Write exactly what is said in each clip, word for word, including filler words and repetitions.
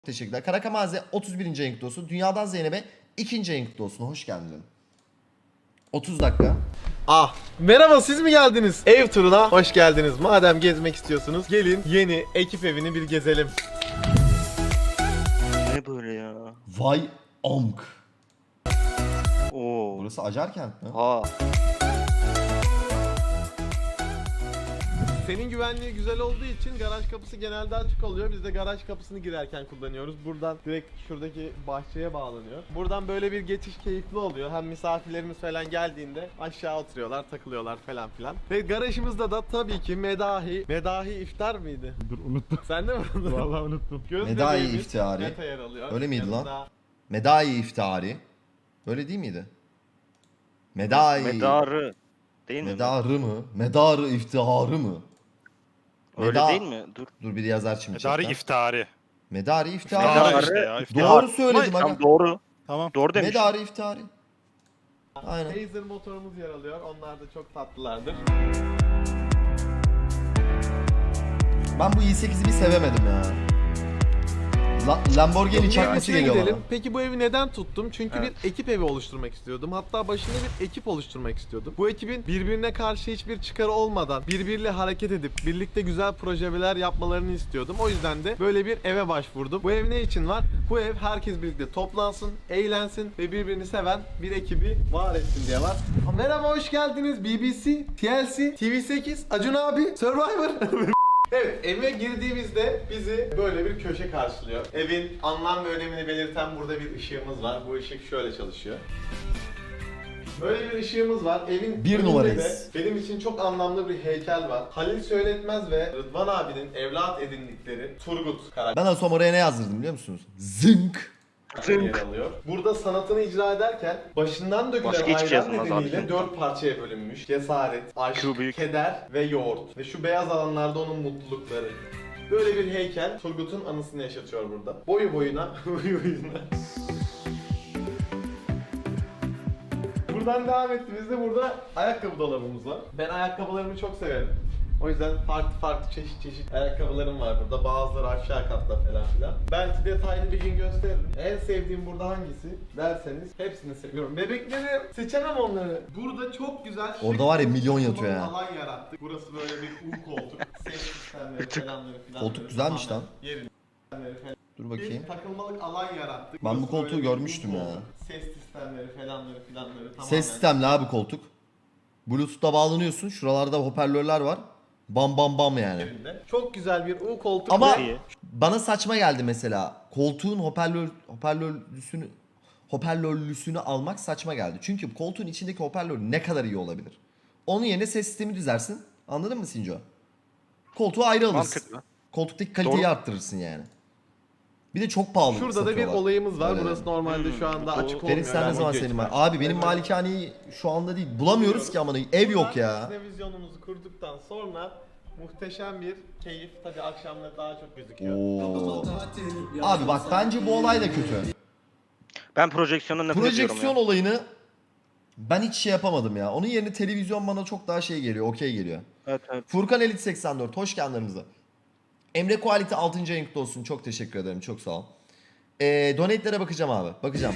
Teşekkürler. Karakamaze otuz birinci ayın kutlu olsun. Dünyadan Zeynep'e ikinci ayın kutlu olsun. Hoş geldin. otuz dakika. Ah, merhaba, siz mi geldiniz? Ev turuna hoş geldiniz. Madem gezmek istiyorsunuz gelin yeni ekip evini bir gezelim. Ne böyle ya? Vay amk. Oo. Burası Acarkent mi? Ha. Senin güvenliği güzel olduğu için garaj kapısı genelde açık oluyor. Biz de garaj kapısını girerken kullanıyoruz. Buradan direkt şuradaki bahçeye bağlanıyor. Buradan böyle bir geçiş keyifli oluyor. Hem misafirlerimiz falan geldiğinde aşağı oturuyorlar, takılıyorlar falan filan. Ve garajımızda da tabii ki Medahi. Medahi iftar mıydı? Dur unuttum. Sen de mi unuttun? Vallahi unuttum. Göz Medahi bebeğimiz iftihari. Meta yer alıyor. Öyle miydi lan? Yanında- Medai iftihari. Öyle değil miydi? Medai. Medarı. Değil mi? Medarı mı? Medarı iftiharı mı? Öyle Meda- değil mi? Dur. Dur bir yazar şimdi. Medari chatten. iftari. Medari iftihari. Medarı İftihar işte ya. iftihar. Doğru söyledim aga. Tam doğru. Tamam. Doğru demiş. Medari iftihari. Aynen. Razer motorumuz yer alıyor. Onlar da çok tatlılardır. Ben bu i sekizi bir sevemedim ya. La- Lamborghini çakması Yenisine geliyor gidelim. bana. Peki bu evi neden tuttum? Çünkü Evet. bir ekip evi oluşturmak istiyordum. Hatta başında bir ekip oluşturmak istiyordum. Bu ekibin birbirine karşı hiçbir çıkarı olmadan birbiriyle hareket edip birlikte güzel projeler yapmalarını istiyordum. O yüzden de böyle bir eve başvurdum. Bu ev ne için var? Bu ev herkes birlikte toplansın, eğlensin ve birbirini seven bir ekibi var etsin diye var. Merhaba, hoş geldiniz. B B C, T L C, T V sekiz, Acun abi, Survivor. Evet, eve girdiğimizde bizi böyle bir köşe karşılıyor. Evin anlam ve önemini belirten burada bir ışığımız var. Bu ışık şöyle çalışıyor. Böyle bir ışığımız var. Evin Bir önünde numarayız. de benim için çok anlamlı bir heykel var. Halil Söyletmez ve Rıdvan abinin evlat edindikleri Turgut karakteri Ben Asom oraya ne yazdırdım biliyor musunuz? Zınk. yer alıyor. Burada sanatını icra ederken başından dökülen Başka hiçbir şey ayran yazılmaz nedeniyle abi. dört parçaya bölünmüş. Cesaret, aşk, Şu büyük. keder ve yoğurt. Ve şu beyaz alanlarda onun mutlulukları. Böyle bir heykel Turgut'un anısını yaşatıyor burada. Boyu boyuna, boyu boyuna. Buradan devam ettiğimizde burada ayakkabı dolabımız var. Ben ayakkabılarımı çok severim. O yüzden farklı farklı çeşit çeşit ayakkabılarım var burada. Bazıları aşağı katta falan filan. Belki detaylı bir gün gösteririm. En sevdiğim burada hangisi derseniz hepsini seviyorum. Bebekleri seçemem onları. Burada çok güzel şık Orada var ya, bir milyon oturma yatıyor ya. alan yarattık. Burası böyle bir U koltuk. Ses sistemleri falanları filan. Koltuk güzelmiş lan. Yerinde. Dur Bir bakayım. takılmalık alan yarattık. Ben bu Burası koltuğu böyle bir görmüştüm U ya. koltuk. Ses sistemleri falanları filanları tamamen. Ses sistemli abi koltuk. Bluetooth'ta bağlanıyorsun. Şuralarda hoparlörler var. Bam bam bam yani. yerinde. Çok güzel bir U koltuk Ama ve İyi. bana saçma geldi mesela. Koltuğun hoparlör hoparlörlüsünü hoparlörlüsünü almak saçma geldi. Çünkü koltuğun içindeki hoparlör ne kadar iyi olabilir? Onun yerine ses sistemi düzersin. Anladın mı Sinco? Koltuğu ayrı alırsın. Mantıklı. Koltuktaki kaliteyi Doğru. arttırırsın yani. Bir de çok pahalı şurada da bir satıyorlar. olayımız var. Öyle. Burası normalde şu anda Hmm. açık olmuyor. Ferit sen ne Yani zaman video senin var? için. Abi benim Evet. malikaneyi şu anda değil. Bulamıyoruz ki amına. Ev yok ya. Televizyonumuzu kurduktan sonra muhteşem bir keyif. Tabii akşamları daha çok gözüküyor. Oo. Abi bak bence bu olay da kötü. Ben projeksiyondan nefret ediyorum Projeksiyon ya. olayını ben hiç şey yapamadım ya. Onun yerine televizyon bana çok daha şey geliyor. Okey geliyor. Evet evet. Furkan Elit seksen dört. Hoş geldin aramıza. Emre Quality altıncı ayın kutlu olsun. Çok teşekkür ederim. Çok sağ ol. Ee, donate'lere bakacağım abi. Bakacağım.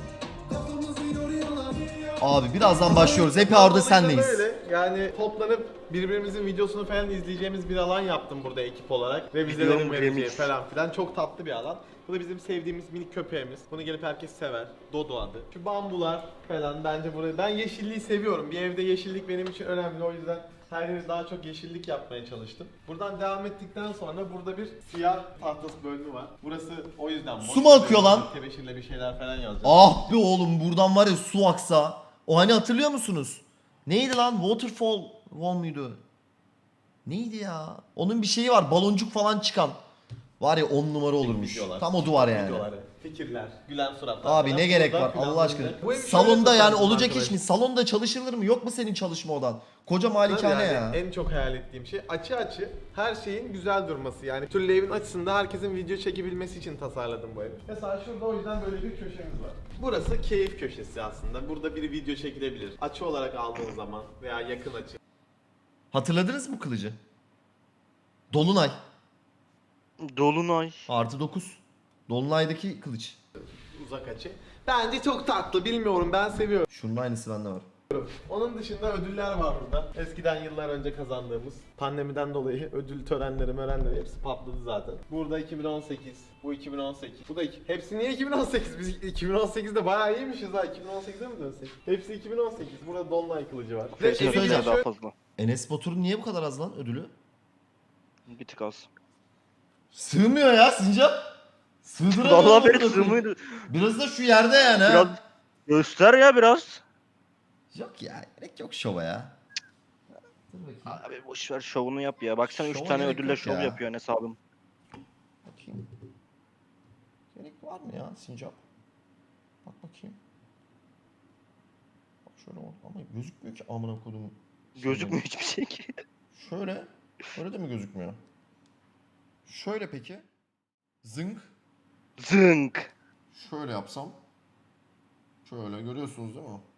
Abi birazdan başlıyoruz. Hep orada Dolayısıyla senleyiz. Böyle yani toplanıp birbirimizin videosunu falan izleyeceğimiz bir alan yaptım burada ekip olarak. Ve vizelerin Videonun vereceği remix. falan filan. Çok tatlı bir alan. Bu da bizim sevdiğimiz minik köpeğimiz. Bunu gelip herkes sever. Dodo adı. Şu bambular falan bence burayı... Ben yeşilliği seviyorum. Bir evde yeşillik benim için önemli. O yüzden her yeri daha çok yeşillik yapmaya çalıştım. Buradan devam ettikten sonra burada bir siyah tahtası bölümü var. Burası o yüzden... Su mu akıyor lan? Tebeşirle bir şeyler falan yazacağım. Ah be oğlum, buradan var ya su aksa. O hani hatırlıyor musunuz? Neydi lan? Waterfall Wall muydu? Neydi ya? Onun bir şeyi var. Baloncuk falan çıkan. Var ya on numara olurmuş. Videolar. Tam o duvar yani. Videolar, fikirler, gülen suratlar. Abi falan. ne gerek Buradan var Allah aşkına. planlanacak. Bu evi şöyle Salonda yani tasarladım olacak arkadaşlar. iş mi? Salonda çalışılır mı? Yok mu senin çalışma odan? Koca malikane Yani ya. En çok hayal ettiğim şey açı açı her şeyin güzel durması. Yani türlü evin açısında herkesin video çekebilmesi için tasarladım bu evi. Mesela şurada o yüzden böyle bir köşemiz var. Burası keyif köşesi aslında. Burada bir video çekilebilir. Açı olarak aldığın zaman veya yakın açı. Hatırladınız mı kılıcı? Dolunay. Dolunay. Artı dokuz. Dolunay'daki kılıç. Uzak açı. Bence çok tatlı, bilmiyorum, ben seviyorum. Şunun aynısı bende var. Onun dışında ödüller var burada. Eskiden yıllar önce kazandığımız. Pandemiden dolayı ödül törenleri, mörenleri hepsi patladı zaten. Burada iki bin on sekiz, bu iki bin on sekiz. Bu da iki. Hepsi niye iki bin on sekiz? Biz iki bin on sekizde bayağı iyiymişiz ha. iki bin on sekize mi dönsek? Hepsi iki bin on sekiz. Burada Dolunay kılıcı var. Bir şey Kesinlikle söyleyeceğim. daha fazla. Enes Batur'un niye bu kadar az lan ödülü? Bir tık az. Sığmıyor ya Sincap. Sığdıramıyor. Vallahi amına benim koyayım. sığmıydı. Biraz da şu yerde yani ha. Biraz göster ya biraz. Yok ya, gerek yok şova ya. Dur bakayım. Abi boş ver şovunu yap ya. Baksana üç Şova tane gerek ödülle yok şov ya. yapıyor Enes abim. Bakayım. Gerek var mı ya Sincap? Bak bakayım. Bak şöyle ol- ama gözükmüyor ki amına kodumun. Gözükmüyor hiçbir şey ki. Şöyle. Öyle de mi gözükmüyor? Şöyle peki. Zınk. Zınk. Şöyle yapsam. Şöyle görüyorsunuz değil mi?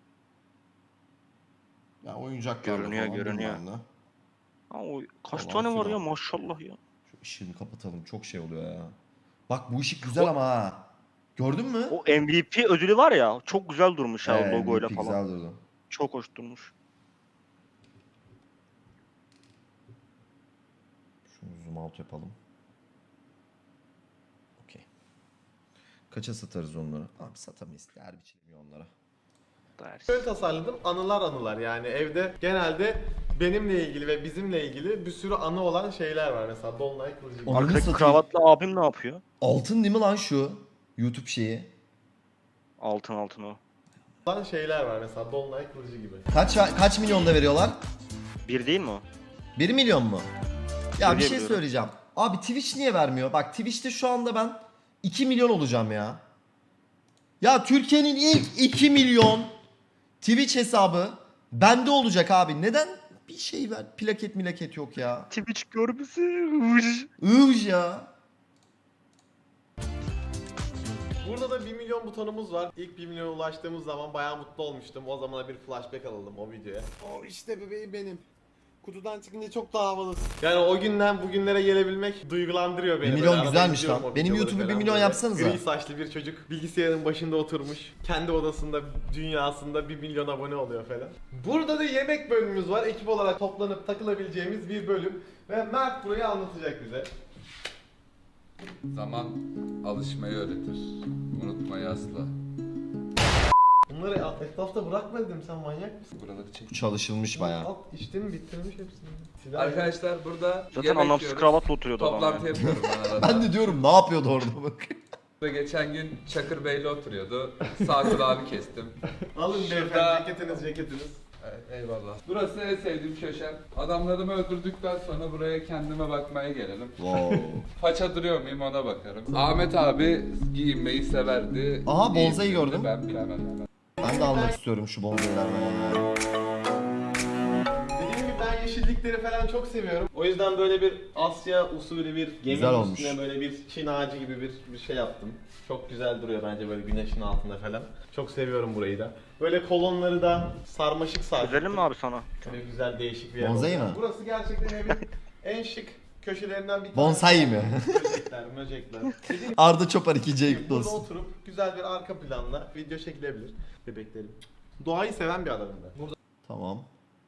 Ya oyuncaklarla Görünüyor, falan görünüyor. bilmem ne. Ha, o kaç Falan tane var filan. ya maşallah ya. Şu ışığını kapatalım. Çok şey oluyor ya. Bak bu ışık güzel ama ha. Gördün mü? O M V P ödülü var ya çok güzel durmuş ha Evet, o logoyla M V P falan. Güzel durdu. Çok hoş durmuş. Şunu zoom out yapalım. Okey. Kaça satarız onları? Abi satamayız. Değer biçilmiyor onlara. Ders. Şöyle tasarladım, anılar anılar, yani evde genelde benimle ilgili ve bizimle ilgili bir sürü anı olan şeyler var, mesela Dolunay kılıcı gibi. Ananı Arkadaki satayım. kravatlı abim ne yapıyor? Altın değil mi lan şu? YouTube şeyi. Altın altın o. olan şeyler var, mesela Dolunay kılıcı gibi. Kaç kaç milyonda veriyorlar? Bir değil mi o? bir milyon mu? Ya bir Öyle şey biliyorum. söyleyeceğim. Abi Twitch niye vermiyor? Bak Twitch'te şu anda ben iki milyon olacağım ya. Ya Türkiye'nin ilk iki milyon Twitch hesabı bende olacak abi. Neden bir şey ver? Plaket milaket yok ya. Twitch görmesi. Ivj ya. Burada da bir milyon butonumuz var. İlk bir milyona ulaştığımız zaman bayağı mutlu olmuştum. O zamana bir flashback alalım o videoya. O işte bebeğim benim. Kutudan çıkınca çok daha havalı. Yani o günden bugünlere gelebilmek duygulandırıyor beni. Bir milyon Böyle arada güzelmiş izliyorum lan. o Benim videoları YouTube'u bir falan milyon böyle. yapsanıza. Gri saçlı bir çocuk bilgisayarın başında oturmuş. Kendi odasında, dünyasında bir milyon abone oluyor falan. Burada da yemek bölümümüz var. Ekip olarak toplanıp takılabileceğimiz bir bölüm. Ve Mert burayı anlatacak bize. Zaman alışmayı öğretir. Unutmayı asla. Bunları etrafta bırakma dedim, sen manyak mısın? Buraları çek. Bu çalışılmış bayağı. Alt içtin bitirmiş hepsini. Silah Arkadaşlar burada Zaten yemek anlamsız yiyoruz. kravatla oturuyordu adam Toplantı ya. yapıyorum ben arada. Ben de diyorum ne yapıyordu orada bak. Burada geçen gün Çakır Bey'le oturuyordu. Sağ kulağımı kestim. Alın Şurada- beyefendi, ceketiniz ceketiniz. Evet, eyvallah. Burası en sevdiğim köşem. Adamlarımı öldürdükten sonra buraya kendime bakmaya gelelim. Wow. Faça duruyor muyum ona bakarım. Ahmet abi giyinmeyi severdi. Aha, bonsai Giyindiğini gördüm. Ben bilemem. Ben de almak istiyorum şu bonzailerden. Dediğim gibi ben yeşillikleri falan çok seviyorum. O yüzden böyle bir Asya usulü bir gemi Güzel olmuş. üstüne böyle bir Çin ağacı gibi bir, bir şey yaptım. Çok güzel duruyor bence böyle güneşin altında falan. Çok seviyorum burayı da. Böyle kolonları da sarmaşık sardık. Özelim mi abi sana? Böyle güzel değişik bir yer Bonsai oldu. mi? Burası gerçekten evin en şık köşelerinden bir tanesi. Bonsai mi? Böcekler, möcekler. Dediğim Arda Çopar ikinci gibi ayıplı burada olsun. oturup güzel bir arka planla video çekilebilir. Bebeklerim. Doğayı seven bir adamım ben. Burada Tamam.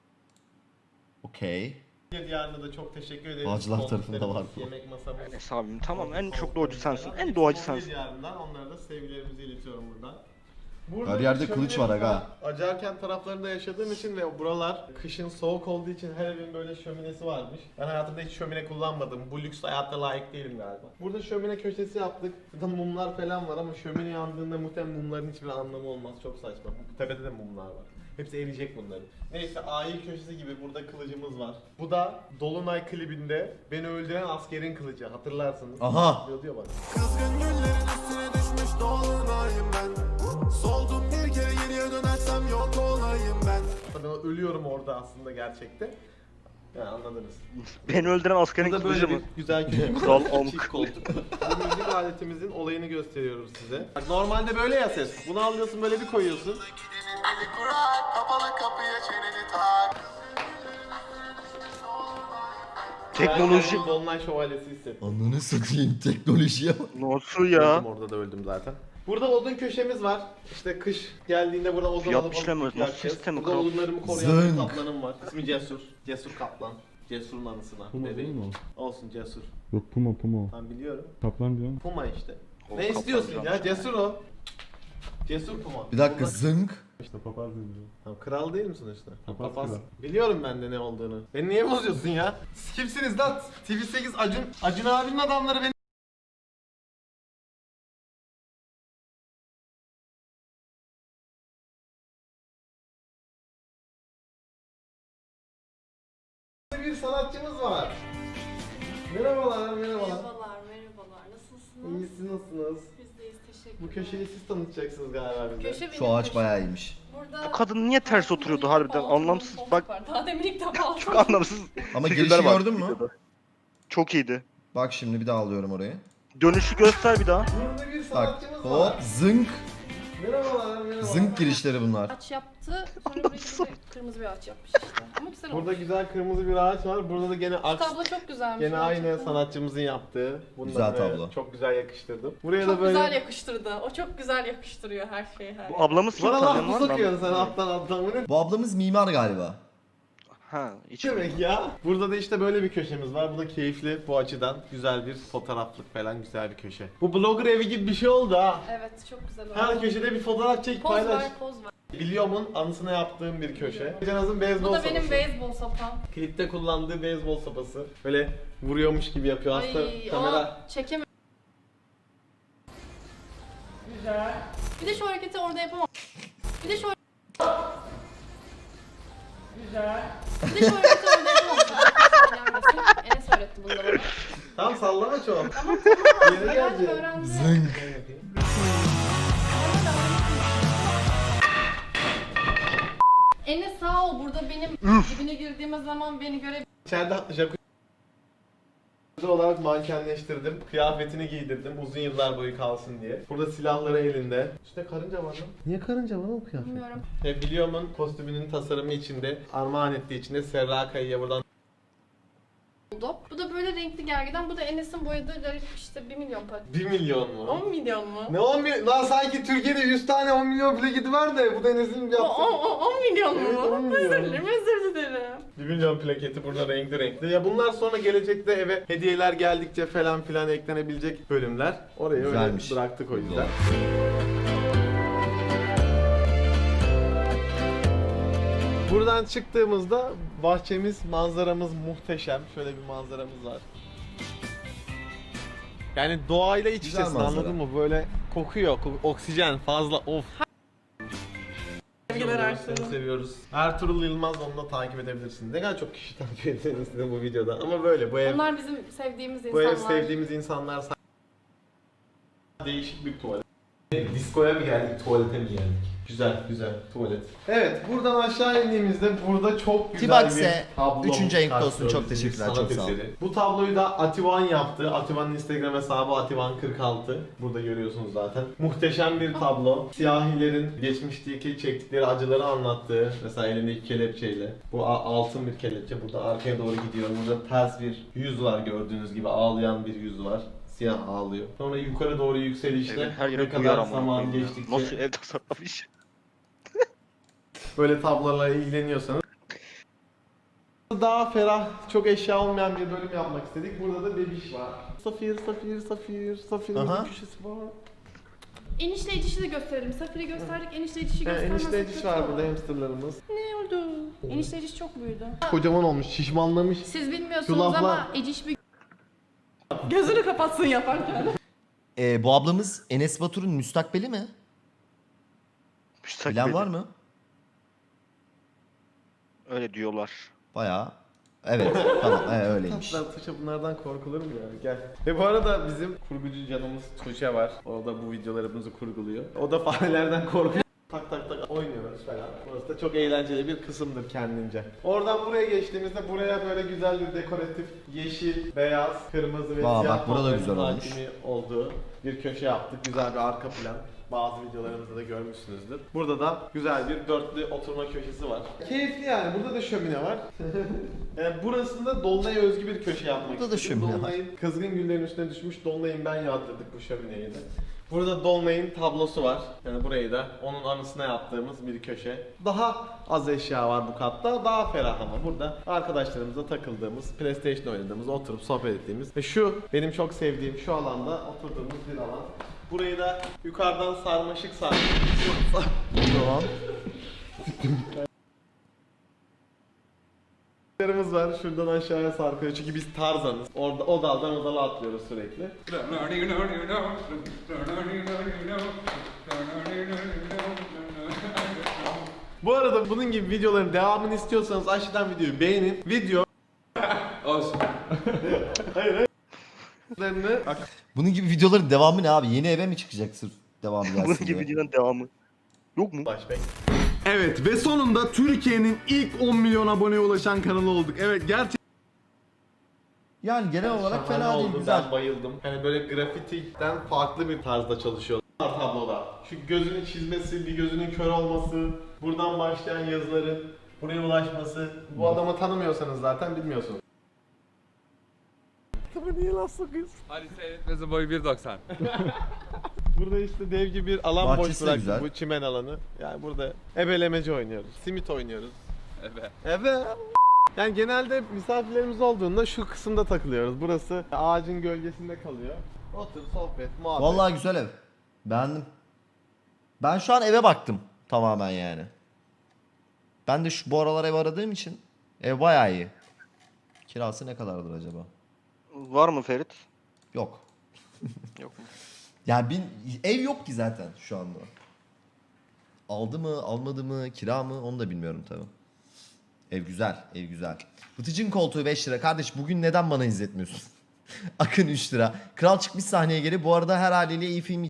Okey. Diyarına da çok teşekkür ederim. Bağcılar tarafında Koltuklarımız, var bu. Yemek masamız. Enes abim tamam en çok Koltuklarımız doğacı sensin. falan. En doğacı Son sensin. Diyarından onlara da sevgilerimizi iletiyorum buradan. Burada Her yerde şömine kılıç var aga. falan, Acarkent taraflarında yaşadığım için ve buralar kışın soğuk olduğu için her evin böyle şöminesi varmış. Ben hayatımda hiç şömine kullanmadım. Bu lüks hayatta layık değilim galiba. Burada şömine köşesi yaptık. Burada mumlar falan var ama şömine yandığında muhtemelen mumların hiçbir anlamı olmaz. Çok saçma. Tepede de mumlar var. Hepsi eriyecek bunların. Neyse aile köşesi gibi burada kılıcımız var. Bu da Dolunay klibinde beni öldüren askerin kılıcı. Hatırlarsınız. Aha. Diyor, diyor bana. Kızgın güllerin üstüne düşmüş dolunayım ben. Soldum bir kere geriye dönersem yok olayım ben. Tabii ben ölüyorum orada aslında gerçekte. Yani anladınız. Beni öldüren askerin Burada böyle kılıcı bir mı? güzel köşemiz Kral var. amk. Çift koltuk. Bu müzik aletimizin olayını gösteriyoruz size. Bak, normalde böyle ya ses. Bunu alıyorsun böyle bir koyuyorsun. Eli kurar, kapalı kapıya çeneni tak. Teknoloji. Ben Dolunay Şövalyesi hissettim. Ananı satayım teknolojiye bak. Nasıl ya? Öldüm, orada da öldüm zaten. Burada odun köşemiz var. İşte kış geldiğinde burada odun Fiyat alıp işlemi, alıp nasıl yakacağız. sistemi Burada kral? odunlarımı koruyan bir Zınk. kaplanım var. İsmi Cesur. Cesur Kaplan. Cesur'un anısına. Puma değil Bebeğim. mi o? Olsun Cesur. Yok Puma Puma. Ben biliyorum. Kaplan diyor mu? Puma işte. O Ne kaplan istiyorsun biraz. ya? Cesur o. Cesur Puma. Bir dakika Burada- zınk. İşte papaz diyor. Tamam, kral değil misin işte? Papaz Papaz. kral. Biliyorum ben de ne olduğunu. Beni niye bozuyorsun ya? Siz kimsiniz lan? T V sekiz Acun. Acun abinin adamları beni... Bir sanatçımız var. Merhabalar, merhabalar. Merhabalar, merhabalar. Nasılsınız? İyisiniz, nasılsınız? Biz deyiz, teşekkür Bu köşeyi siz tanıtacaksınız galiba bize. Köşe Şu benim ağaç köşem. bayağı iyiymiş. Burada Bu kadın niye ters oturuyordu harbiden? Balkonun Anlamsız. koltuk Bak var. Daha demin ilk defa çok anlamsız. Ama figürler girişi var gördün mü? videoda. Çok iyiydi. Bak şimdi bir daha alıyorum orayı. Dönüşü göster bir daha. Burada bir Bak sanatçımız var. hop zınk. Merhabalar, merhabalar. Zınk girişleri bunlar. Ağaç yaptı. Sonra buraya bir de kırmızı bir ağaç yapmış işte. Ama güzel Burada olmuş. güzel kırmızı bir ağaç var. Burada da gene Şu aks. tablo çok güzelmiş. Gene aynı gerçekten. sanatçımızın yaptığı. Bunu da Güzel böyle tablo. Çok güzel yakıştırdım. Buraya Çok da böyle... güzel yakıştırdı. O çok güzel yakıştırıyor her şeyi. Her Bu ablamız kim Bana laf tanıyan mı var mı? sokuyorsun sen alttan alttan? Bu ne Bu ablamız mimar galiba. Ha, hiç demek ya? Burada da işte böyle bir köşemiz var. Bu da keyifli bu açıdan. Güzel bir fotoğraflık falan, güzel bir köşe. Bu blogger evi gibi bir şey oldu ha. Evet, çok güzel oldu. Her köşede bir fotoğraf çek, Poz paylaş. ver, poz ver. Biliyorum'un anısına yaptığım bir köşe. Canaz'ın beyzbol Bu da sopası. benim beyzbol sopam. Klipte kullandığı beyzbol sopası. Böyle vuruyormuş gibi yapıyor. Aslında Ay, kamera... o çekemem. Güzel. Bir de şu hareketi orada yapamam. Bir de şu Güzel. Bir de şu hareketi orada yapamam. Söylenmesin. Enes öğretti bunları bana. Tam sallama çok. Tamam Yeni tamam. geldi. Öğrendim. Zınk. Enes sağ ol, burada benim dibine girdiğimiz zaman beni göre İçeride jacuzzi olarak mankenleştirdim. Kıyafetini giydirdim uzun yıllar boyu kalsın diye. Burada silahları elinde. İşte karınca var lan. Niye karınca var o kıyafet? bilmiyorum. He, Biliyorum'un kostümünün tasarımı içinde, armağan ettiği içinde Serra Kaya'ya buradan Oldu. Bu da böyle renkli gergeden. Bu da Enes'in boyadığı garip işte bir milyon para. bir milyon mu? on milyon mu? Ne on milyon? Lan sanki Türkiye'de yüz tane on milyon plaketi var da bu da Enes'in O, yaptığı. o, o, on milyon mu? Evet, on milyon. Özür dilerim, özür dilerim. bir milyon plaketi burada renkli renkli. Ya bunlar sonra gelecekte eve hediyeler geldikçe falan filan eklenebilecek bölümler. Oraya Güzelmiş. öyle bıraktık o yüzden. Buradan çıktığımızda bahçemiz, manzaramız muhteşem. Şöyle bir manzaramız var. Yani doğayla iç Güzel içesin, manzara. anladın mı? Böyle kokuyor, ko- oksijen fazla, of. Sevgiler Seni Ertuğrul. seviyoruz. Ertuğrul Yılmaz, onu da takip edebilirsin. Ne kadar çok kişi takip ettiğini istedim bu videoda. Ama böyle bu ev, Onlar bizim sevdiğimiz bu ev insanlar. sevdiğimiz insanlar. Değişik bir tuvalet. Diskoya mı geldik, tuvalete mi geldik? Güzel, güzel tuvalet. Evet, buradan aşağı indiğimizde burada çok güzel Tibaks'e bir tablo. üçüncü renkli olsun. karşılıyoruz. Çok Bir teşekkürler, sanat çok sağ olun. eseri. Bu tabloyu da Ativan yaptı. Ativan'ın Instagram hesabı Ativan kırk altı. Burada görüyorsunuz zaten. Muhteşem bir tablo. Siyahilerin geçmişteki çektikleri acıları anlattığı, mesela elindeki kelepçeyle. Bu a- altın bir kelepçe. Burada arkaya doğru gidiyor. Burada ters bir yüz var, gördüğünüz gibi ağlayan bir yüz var. Siyah ağlıyor. Sonra yukarı doğru yükselişte Evin her ne yere kadar duyar ama. zaman geçtikçe Nasıl ev tasarlamış? böyle tablolarla ilgileniyorsanız daha ferah, çok eşya olmayan bir bölüm yapmak istedik. Burada da bebiş var. Safir, Safir, Safir, Safir'in Aha. köşesi var. Enişteyicişi de gösterelim. Safir'i gösterdik, enişteyicişi Yani göstermezsek enişteciş kötü var olur. burada, hamsterlarımız. Ne oldu? Enişteyiciş çok büyüdü. Kocaman olmuş, şişmanlamış. Siz bilmiyorsunuz Şu laflar- ama Eciş bir gözünü kapatsın yaparken. Ee, bu ablamız Enes Batur'un müstakbeli mi? Bilen var mı? Öyle diyorlar. Bayağı. Evet tamam evet, öyleymiş. Tatlar Tuğçe, bunlardan korkulur mu ya? Gel. Ve bu arada bizim kurgucu canımız Tuğçe var. O da bu videolarımızı kurguluyor. O da farelerden korkuyor. Tak tak tak oynuyoruz falan. Burası da çok eğlenceli bir kısımdır kendince. Oradan buraya geçtiğimizde buraya böyle güzel bir dekoratif yeşil, beyaz, kırmızı ve Aa, siyah bak burada da tonların güzel olmuş. hakimi olduğu bir köşe yaptık. Güzel bir arka plan. Bazı videolarımızda da görmüşsünüzdür. Burada da güzel bir dörtlü oturma köşesi var. Keyifli yani. Burada da şömine var. Yani burasında Dolunay'a özgü bir köşe yapmak Burada da istedim. şömine var. Dolunay'ın kızgın güllerin üstüne düşmüş Dolunay'ın ben yağdırdık bu şömineyi de. Burada Dolunay'ın tablosu var. Yani burayı da onun anısına yaptığımız bir köşe. Daha az eşya var bu katta. Daha ferah ama burada arkadaşlarımızla takıldığımız, PlayStation oynadığımız, oturup sohbet ettiğimiz ve şu benim çok sevdiğim şu alanda oturduğumuz bir alan. Burayı da yukarıdan sarmaşık sarmaşık. Tamam. Yerimiz var. Şuradan aşağıya sarkıyor. Çünkü biz Tarzanız. Orada o daldan o dala atlıyoruz sürekli. Bu arada bunun gibi videoların devamını istiyorsanız aşağıdan videoyu beğenin. Video Olsun. Hayır. Bunun gibi videoların devamı ne abi? Yeni eve mi çıkacak sırf devamı gelsin Bunun diye? gibi videonun devamı. Yok mu? Flashback. Evet ve sonunda Türkiye'nin ilk on milyon aboneye ulaşan kanalı olduk. Evet gerçekten Yani genel olarak Şahane fena değil, oldu, güzel. Ben bayıldım. Hani böyle grafitiden farklı bir tarzda çalışıyor tabloda. Şu gözünün çizmesi, bir gözünün kör olması, buradan başlayan yazıların buraya ulaşması. Bu adamı tanımıyorsanız zaten bilmiyorsunuz. Tabii niye laf sokuyorsun? Hadi seyretmesi boyu bir doksan. Burada işte dev gibi bir alan Bahçesi boş de bıraktık, güzel. bu çimen alanı. Yani burada ebelemeci oynuyoruz, simit oynuyoruz. Evet. Evet. Yani genelde misafirlerimiz olduğunda şu kısımda takılıyoruz. Burası ağacın gölgesinde kalıyor. Otur, sohbet, muhabbet. Vallahi güzel ev. Beğendim. Ben şu an eve baktım tamamen yani. Ben de şu bu aralar ev aradığım için ev bayağı iyi. Kirası ne kadardır acaba? Var mı Ferit? Yok. Yok mu? Yani bin, ev yok ki zaten şu anda. Aldı mı, almadı mı, kira mı onu da bilmiyorum tabii. Ev güzel, ev güzel. Vıtıcın koltuğu beş lira. Kardeş bugün neden bana izletmiyorsun? Akın üç lira. Kral çıkmış sahneye geri. Bu arada her haliyle iyi film